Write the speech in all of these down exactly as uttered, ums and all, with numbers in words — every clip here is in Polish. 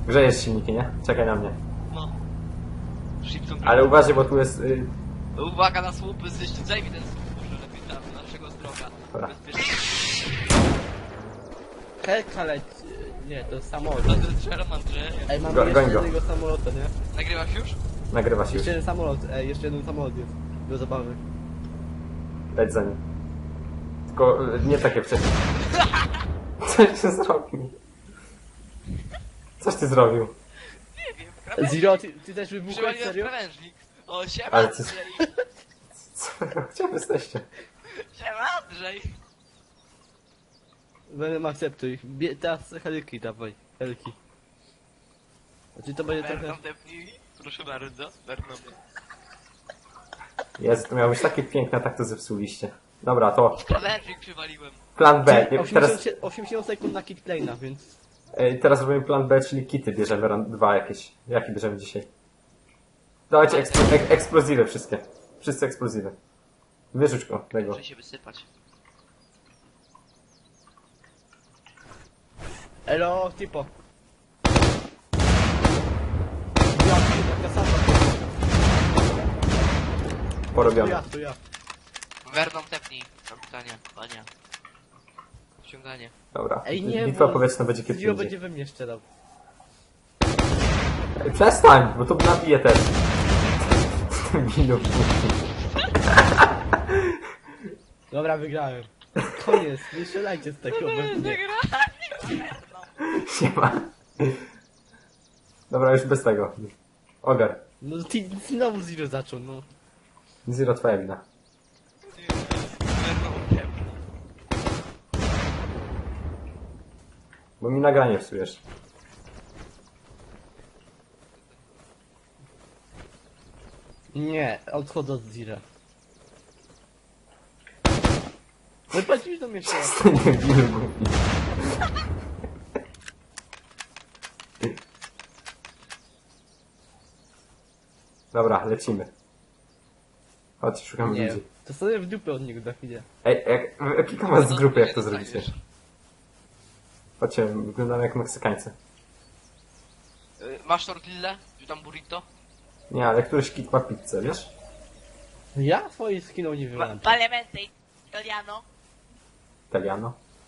Grzejesz silniki, nie? Czekaj na mnie. No. Shipton. Ale uważaj, bo tu jest... Y... Uwaga na słupy, zajmij ten słup, może lepiej tam, do naszego zdrowia. Dobra. Bezpiecznie. Helka leci... Nie, to jest samolot. No to jest Sherman Andrzeja. Ej, mamy Go- jeszcze goń go. jednego samolota, nie? Nagrywasz już? Nagrywa się już. Jeszcze jeden samolot, ej, jeszcze jeden samolot jest. Do zabawy. Leć za nim. Tylko y, nie takie wcześniej. Coś ty zrobił? Coś ty zrobił? Nie wiem, krawężnik. Zero, ty, ty też wybuchłeś, Przywaliłem serio? krawężnik. O, siema Ale ty- Andrzej. Co? Gdzie wy jesteście? Siema Andrzej. Będę akceptuj. Bie, teraz helki dawaj, helki. Znaczy to będzie trochę... Berną tepnij. Proszę bardzo, Berną. Jezu, to miało być takie piękne, a tak to zepsuliście. Dobra, to Krawężnik przywaliłem. plan B. Nie, teraz, osiemdziesiąt, osiemdziesiąt sekund na kit plane'a, więc... y, teraz robimy plan B, czyli kity bierzemy, ran- dwa jakieś. Jaki bierzemy dzisiaj? Dawajcie eksplo ek eksplozywy wszystkie. Wszyscy eksplozywy. Wyrzuć go, tego. Muszę się wysypać. Elo, tipo. Ja, taka sama. To Porobione. ja, to ja. Werną tepnij, kapitanie, panie. Ściąganie. Dobra. Ej, nie, Bitwa bo powietrzna będzie kiedy Zero indziej. będzie we mnie strzelał. Ej, przestań, bo to nabije też. Minut. Dobra, wygrałem. Koniec, nie strzelajcie z tego we mnie. Siema. Dobra, już bez tego. Ogar. No ty znowu Zero zaczął, no. Zero, twoja wina. Werną tepnij. Bo mi nagranie psujesz. Nie, odchodzę od Zira. No patrzysz do mnie jeszcze raz. To nie wiem, głupi. Dobra, lecimy. Chodź, szukamy Nie, ludzi. to sobie w dupę od niego za chwilę. Ej, jak, kilka was z grupy, jak to zrobicie? Chodźcie, wyglądamy jak Meksykańcy. Y, Masz tortillę? Czy tam burrito? Nie, ale któryś kit ma pizzę, wiesz? Ja swoich skinął nie Ma wyłam. Palemente italiano. Italiano.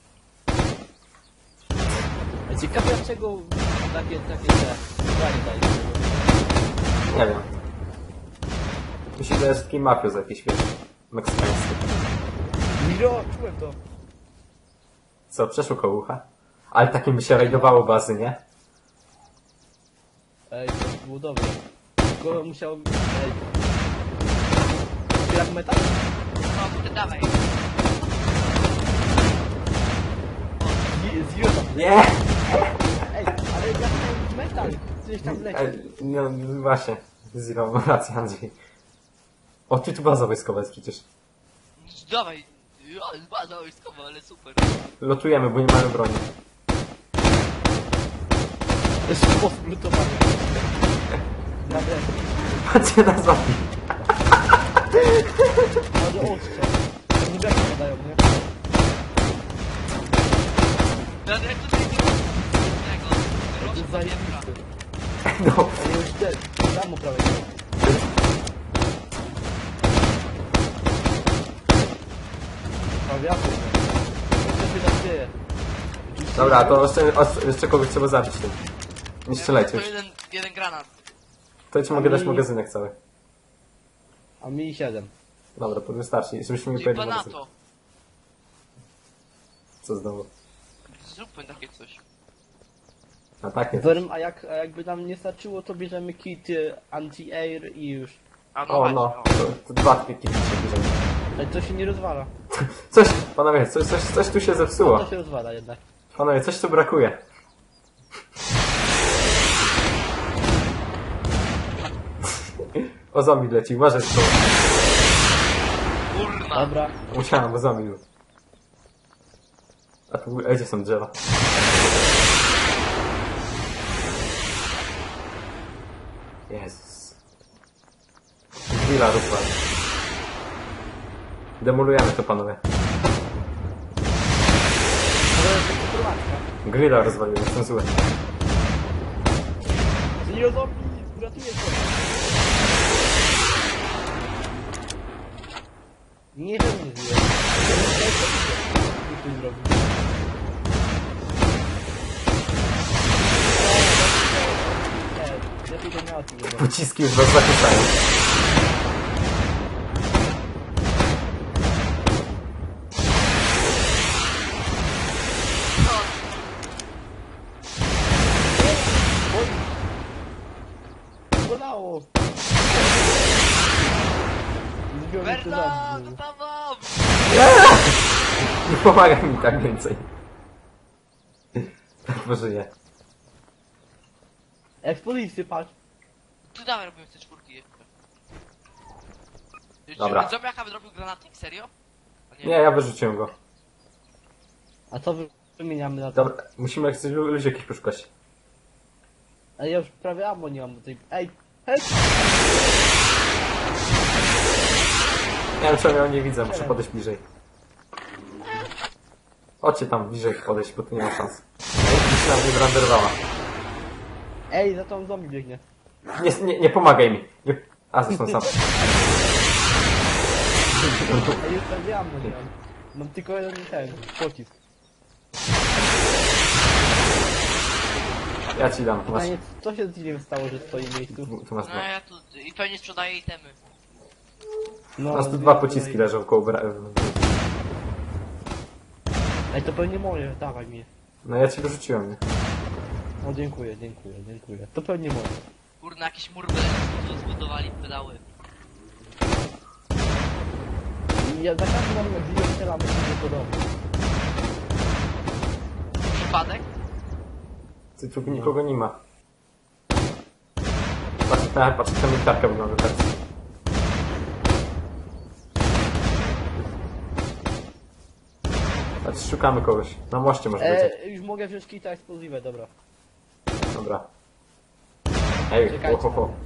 Ciekawe dlaczego takie, takie te zdanie daje. Nie wiem. Myślę, że jest taki mafios jakiś, wiesz, meksykański. Miro, czułem to. Co, przeszło koło ucha? Ale takim by się rajdowało bazy, nie? Ej, to było dobre. Tylko musiał... Ej. Grab metal? No, to dawaj. Zi- Zero tam. Nie! Ej, ale grab metal. Gdzieś tam leci. Ej, no właśnie, Zero, ma rację, Andrzej. O, ty tu baza wojskowa jest przecież. Dawaj. Ale baza wojskowa, ale super. Lotujemy, bo nie mamy broni. Jeszcze sposób lutowania. Naprawdę. Patrzcie na zombie. Może ostrze. Nie braki padają, nie? Ja jak tutaj nie ma tego. To jest Rożka zajebisty. No, A już te... Tam prawie. A wiatr. Co się tam dzieje? dobra, to jeszcze, jeszcze kogoś trzeba zabić tym. Nie strzelajcie To już. jeden, jeden granat. To ci mogę dać magazynek cały. A mi siedem. Dobra, to wystarczy, żebyśmy mi Czyli powiedzieli magazyn. panato. Co znowu? Zróbmy takie coś. A tak jest. Werm, a, jak, a jakby nam nie starczyło, to bierzemy kit y, anti-air i już. A no O właśnie, no, o. to, to dwa takie kity się bierzemy. Ale to się nie rozwala. Coś, panowie, coś, coś, coś tu się zepsuło. To się rozwala jednak. Panowie, coś tu brakuje. O, zombie leci, uważaj to. Kurna. Dobra. Musiałem, bo zombie był. A tu, a gdzie są drzewa? Jezus. Chwila, rupa. Demolujemy to, panowie. To jest taka prowadka. Grilla rozwaliłem, jestem zły. Zero zombie! Uratuję się! Nie wiem, nie zero. Co tu zrobił? Nie, lepiej go nie atuję. Pociski już was zakłócają. Bolało! Zbiorę to Berna, zabił. to tam mam! Nie pomaga mi tak więcej. Boże nie. Ekspozycję, patrz. Tu dawaj robimy te czwórki. Dobra. Czy zombiaka zrobił granatnik? Serio? A Nie, ja wyrzuciłem go. A co wy- wymieniamy na to? Dobra, musimy jak coś ludzi jakichś poszukać. A ja już prawie ammo nie mam do tej... Ej! Hej! Nie wiem czemu ja nie widzę, muszę podejść bliżej. Chodźcie tam bliżej podejść, bo tu nie ma szans. Ej, na mnie wyrenderowała. Ej, za tą zombie biegnie. Nie, nie, nie pomagaj mi. Nie... A, zresztą sam. Ej, już prawie ammo nie mam. Mam tylko jeden ten, pocisk. Ja ci dam. Masz, Pytanie, co się z nim stało, że stoi w miejscu? tu, tu masz No dwa. ja tu... I pewnie sprzedaję itemy. No, Masz tu no, dwa no, pociski no, leżą koło bra... Ej, to pewnie moje, dawaj mi. No ja ci wyrzuciłem, nie? O, dziękuję, dziękuję, dziękuję. To pewnie moje. Kurna, jakiś mur by zbudowali pedały. I ja za każdym razem jak widzę strzelam, to się nie podoba. Przypadek? Ty tu nikogo nie ma. Patrz, ta, patrz, ta militarka wygląda teraz. Patrz, szukamy kogoś. Na moście może być. E, już mogę wziąć kita eksplozywę, dobra. Dobra. Ej, Czekajcie ho, ho, ho.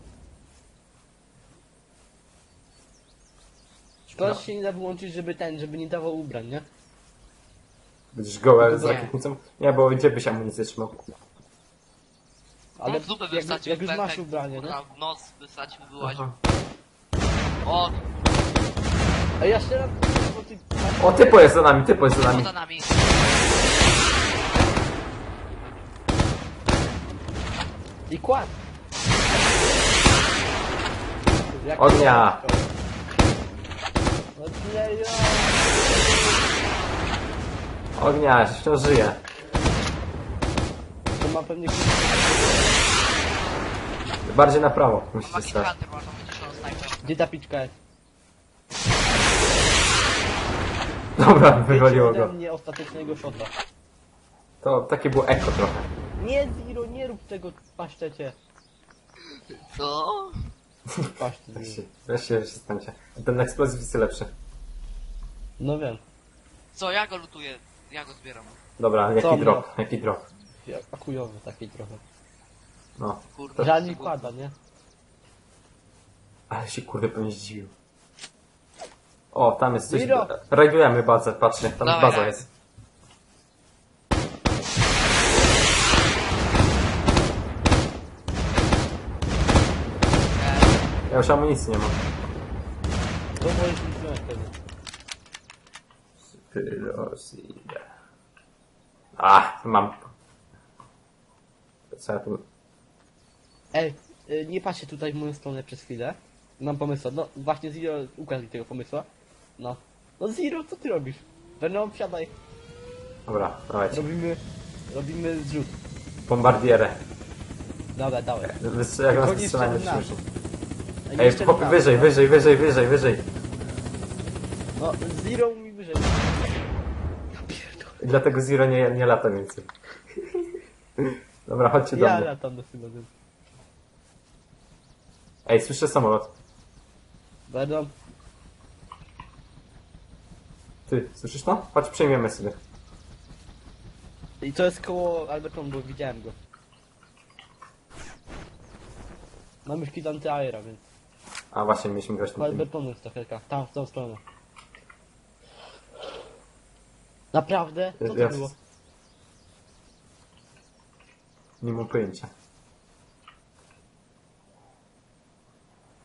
Szkoda, No. że się nie da wyłączyć, żeby ten, żeby nie dawał ubrań, nie? Będziesz gołe z Nie. rakietnicą? Nie, bo gdzie byś amunicję trzymał? Ale w dupę jak, wysadził jak już pętek, masz ubranie, nie? kurna, w nos wysadził, wyłaził. Aha. O, A ja strzelam, bo ty... O, typo jest za nami, typo jest za nami. poza nami. I kład! Jak Ognia! No nie, ja... Ognia, wciąż żyje. To ma pewnie... Bardziej na prawo, musicie Maki stać. Hunter, masz tam wyciszoną snajper. Gdzie ta piczka jest? Dobra, Wiecie wywaliło ode go. mnie ostatecznego shota. To takie było eko trochę. Nie, Zero, nie rób tego w pasztecie. Co? Pasztet. Weź się, weź się, przestańcie. Ten eksplozyw jest lepszy. No wiem. Co, ja go lutuję. Ja go zbieram. Dobra, Co jaki mnie? drop, jaki drop. A chujowy taki trochę. No. Kurde. Żal mi kłada, nie? Ale się kurde pewnie zdziwił. O, tam jest coś. Miro! Rajdujemy bazę, patrzcie, tam Dawaj, baza dawaj. jest. E, Ja już amunicji nie mam. To możesz mi wziąć wtedy. Pyrosida. A, mam. Co ja tu... Ej, y, nie patrzcie tutaj w moją stronę przez chwilę. Mam pomysł. No właśnie Zero ukradł mi tego pomysłu. No. No Zero, co ty robisz? Venom, wsiadaj. Dobra, dawajcie. Robimy... Robimy zrzut. Bombardierę. Dobra, dawaj. Wystrzel- Jak nas Tylko nie strzelają, strzel w nas. słyszy. A nie Ej, strzel po, w nas, wyżej, no. wyżej, wyżej, wyżej, wyżej. No, Zero mi wyżej. I dlatego Zero nie, nie lata więcej. Dobra, chodźcie do Ja mnie. latam do chyba. Ej, słyszę samolot. Venom. Ty, słyszysz to? Chodź, przejmiemy sobie. I to jest koło Alberton, bo widziałem go. Mam już kit anty-aera, więc... A właśnie, mieliśmy grać Koło na tym. Albertonu jest ta helka. Tam, w tą stronę. Naprawdę? Co to Ja- było? Nie mam pojęcia.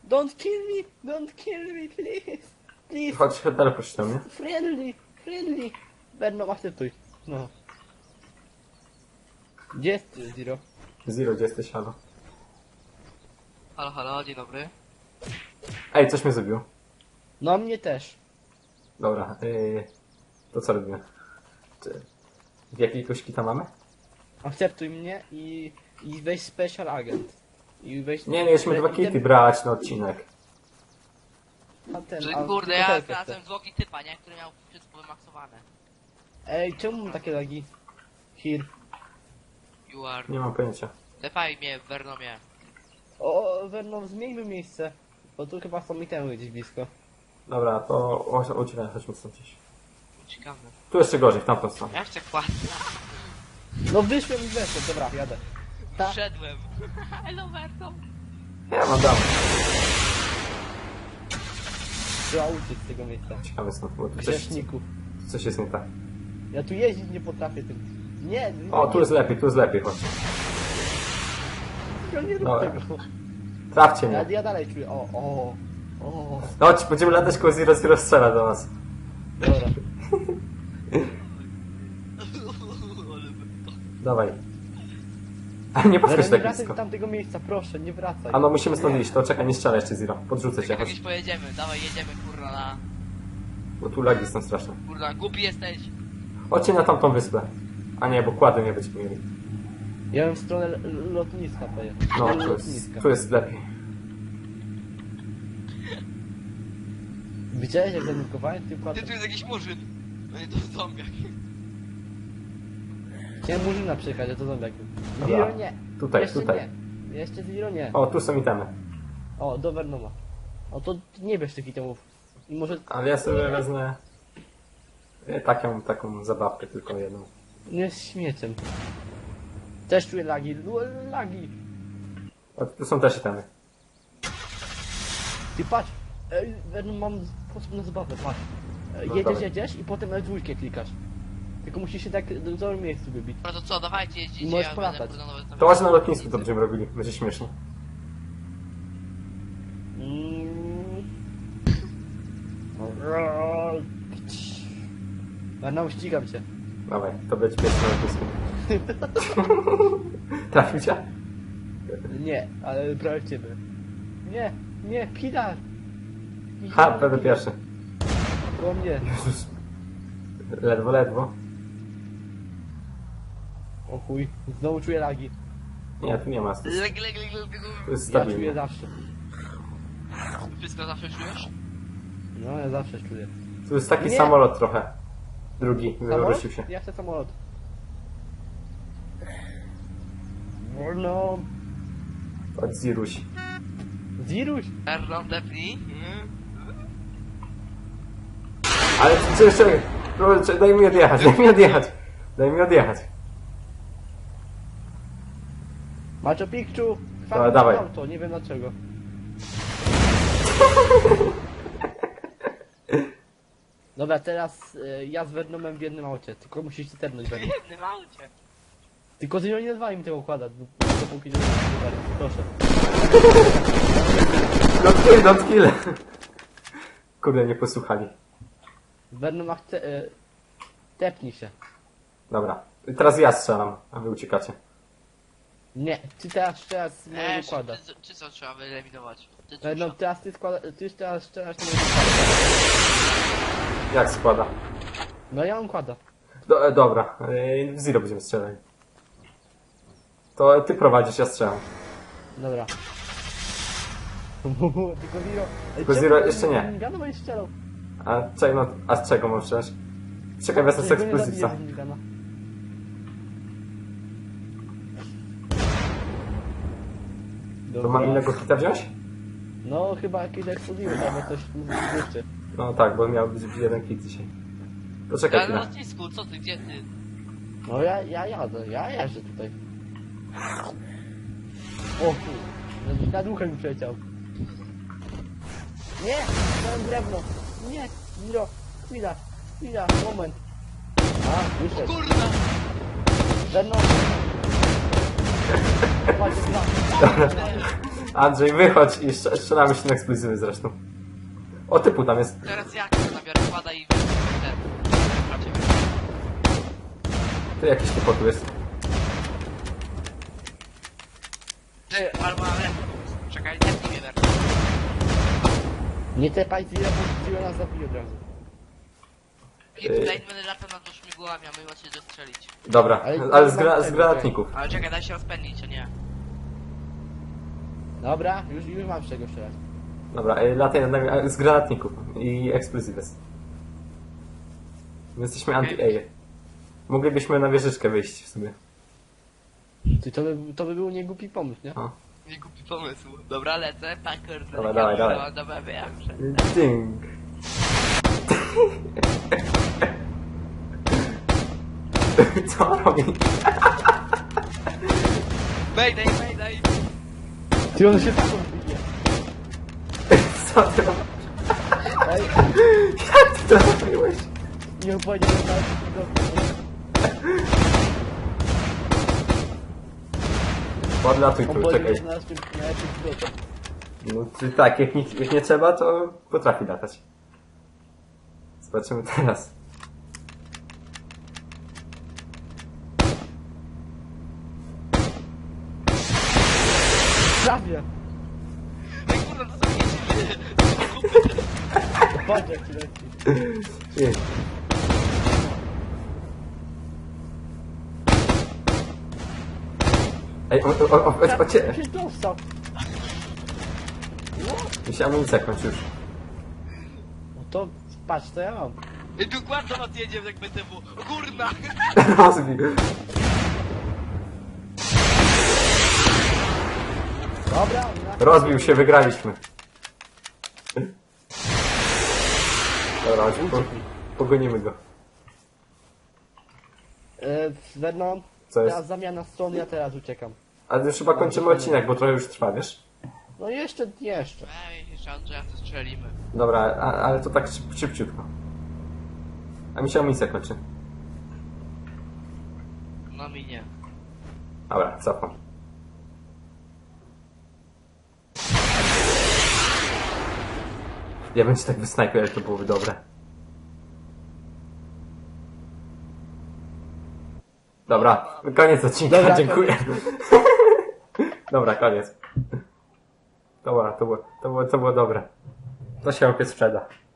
Don't kill me! Don't kill me, please! Please! Chodź, teleport się do mnie. Friendly! Friendly! Venom, akceptuj. No. Gdzie jest Zero? Zero, gdzie jesteś, halo? Halo, halo, dzień dobry. Ej, coś mnie zrobił. No mnie też. Dobra, yy, to co robimy? Czy w jakiegoś kita mamy? Akceptuj mnie i, i weź special agent. I weź... Nie, mieliśmy dwa kity brać na odcinek. A ten, Że a kurde, tylko ja helkę znalazłem chcę. zwłoki typa, nie? Który miał wszystko wymaksowane. Ej, czemu mam takie lagi? Here. You are... Nie mam pojęcia. Tepaj mnie w Vernomie. O, Venom, zmieńmy miejsce. Bo tu chyba są itemy gdzieś blisko. Dobra, to o- uciekaj, chodźmy stąd gdzieś. Ciekawe. Tu jeszcze gorzej, w tamtą stronę. Ja jeszcze kładę. No wyszłem i weszłem, dobra, jadę. Ta. Wszedłem. Hello, Vernom. Ja mam dam. Trzeba uciec z tego miejsca. Ciekawe stąd, bo tu coś, Grzeszników. coś jest nie tak. Ja tu jeździć nie potrafię tym. Nie, nie, O, tu jest lepiej, tu jest lepiej, chodź. ja nie rób Dobra. tego. Trafcie Ja, mnie. ja dalej czuję, o, o, o. Chodź, będziemy latać koło Zero, Zero strzela do nas. Dobra. Dawaj. A nie podchodź Zaraz nie tak wracaj blisko. z tamtego miejsca, proszę, nie wracaj. A no, musimy stąd iść, to czekaj, nie strzelaj jeszcze Zero. Podrzucę cię, Jak chodź. gdzieś pojedziemy, dawaj jedziemy, kurwa, na... Bo tu lagi są straszne. Kurwa, głupi jesteś. Chodźcie na tamtą wyspę. A nie, bo kłady nie będziemy mieli. Ja bym w stronę l- lotniska pojechał. No, L- tu jest, lotniska. tu jest lepiej. Widziałeś jak zanurkowałem w tym Ty, kładem? tu jest jakiś murzyn. No nie, to zombiak. Chciałem murzyna przejechać, a to zombiak. Dobra. Zero nie. Tutaj, Jeszcze tutaj. nie. Jeszcze Zero nie. O, tu są itemy. O, do Vernoma. O, to nie bierz tych itemów. I może Ale ja sobie wezmę e, taką, taką zabawkę, tylko jedną. nie z śmieciem. Też czuję lagi. No, lagi. O, tu są też itemy. Ty patrz. Ej, Venom, mam sposób na zabawę, patrz. E, No, Jedziesz, dawaj. jedziesz i potem L dwa klikasz. Tylko musisz się tak do dobrym miejscu wybić. No to co, dawajcie jeździcie, Możesz ja polatać. będę kurwa nawet tam... To chodź na lotnisku, to będziemy robili. Będzie śmiesznie. Mm. Venom, ścigam cię. Dawaj, to będzie pierwszy na lotnisku. Trafił cię? Nie, ale prawie w ciebie. Nie, nie, Pilar! Ha, będę pierwszy. Po mnie. Jezus. Ledwo, ledwo. O chuj, znowu czuję lagi. Nie, tu nie ma. Tu jest, Leg, leg, leg, leg, tu jest Ja czuję stabilnie. zawsze. Wszystko zawsze czujesz? No, ja zawsze czuję. Tu jest taki Nie. samolot trochę. Drugi, Samolot? wywrócił się. Ja chcę samolot. No, Od Ziruś. Ziruś! Vernom, depnij. Mm. Ale czy jeszcze... Proszę, daj mi odjechać, daj mi odjechać. Daj mi odjechać. Macho Picchu! Dobra, dawaj. auto, nie wiem dlaczego. Dobra, teraz y, ja z Vernomem w jednym aucie, tylko musisz się ternąć Venom. W jednym aucie. Tylko Zero nie nazwali mi tego układać, bo dopóki nie będzie proszę. Don't kill, don't kill. Kurde, nie posłuchali. Venom chce... Y, tepnij się. Dobra. Teraz ja strzelam, a wy uciekacie. Nie, ty teraz strzelasz z mojego Eee, układa. czy, czy co trzeba wyeliminować? Ty Venom, co? teraz ty składa... Ty teraz strzelasz z mojego układa. Jak składa? No ja mam układa. Do, e, dobra, e, w Zero będziemy strzelali. To ty prowadzisz, ja strzelam. Dobra. Tylko Zero... Tylko Zero jeszcze nie. Mingana będziesz strzelał. A, czekaj, no, a z czego mam strzelać? Czekaj, wezmę z Czego nie eksplozywca. zabije z Mingana? To Dobra. mam innego hita wziąć? No chyba jakieś eksploziły, albo coś jeszcze. No tak, bo miał być jeden hit dzisiaj. Poczekaj Ja na chwilę. lotnisku, co ty, gdzie ty? No ja, ja jadę, ja jeżdżę tutaj. O kur... nad uchem mi przeciął. Nie! Mam drewno! Nie! Zero! Chwila! Chwila! Moment! A, wyszedł. Kurwa! Venom! Chodź, dwa. Andrzej, wychodź i strze- strzelamy się na eksplozywy zresztą. O, typu tam jest. Teraz jak to nabiorę kłada i ten. Sprawdźcie. Tu jakiś typo tu jest. Ty, albo ale. Czekaj, nie mnie werka. Nie tepaj Zero, bo Zero nas zabije od razu. I tutaj będę latał nad śmigłami, a my macie dostrzelić. Dobra, Ale- ale z, gra- z granatników. Ale czekaj, daj się rozpędzić, a nie. Dobra, już, już mam z czego strzelać. Dobra, e, lataj nad nami a, z granatników i eksplozywy. My jesteśmy anti-air. Moglibyśmy na wieżyczkę wyjść w sumie. Ty, to, by, to by był niegłupi pomysł, nie? O. Nie głupi pomysł. Dobra, lecę, packer. Dawaj, dawaj, dawaj. Dobra, wiem, że... Ding. Co on robi? Mayday, mayday! Ty, on się tak odbije. Co ty robisz? Ej, Jak ty to zrobiłeś? nie powiedział, że nawet nie Podlatuj On tu, powiedział, czekaj. że znalazł tym najlepszym pilotem. No ty, tak, jak nie, jak nie trzeba, to potrafi latać. Zobaczymy teraz. Prawie! Ej, kurwa, to są dzieci. Patrz jak ci leci. Ej. Ej, o, o, o, o, o cię! Się dostał. Mi się amunicja kończy już. No to patrz, co ja mam. Ej, tu kładno nas jedzie jak B T W. O kurna! Rozbił. Dobra, na... Rozbił się, wygraliśmy. Dobra, chodź, po, pogonimy go. E, Vernon, Co jest? teraz zamiana stron, ja teraz uciekam. Ale już chyba kończymy odcinek, bo trochę już trwa, wiesz? No jeszcze, jeszcze. Ej, jeszcze Andrzeja to strzelimy. Dobra, a, ale to tak szyb, szybciutko. A mi się amunicja kończy. No mi nie. Dobra, cofam. Ja bym ci tak wysnajpił, ale to byłoby dobre. Dobra, koniec odcinka, Dobra, dziękuję. Dobra, koniec. Dobra, to było, to było, to było dobre. To się opiec sprzeda.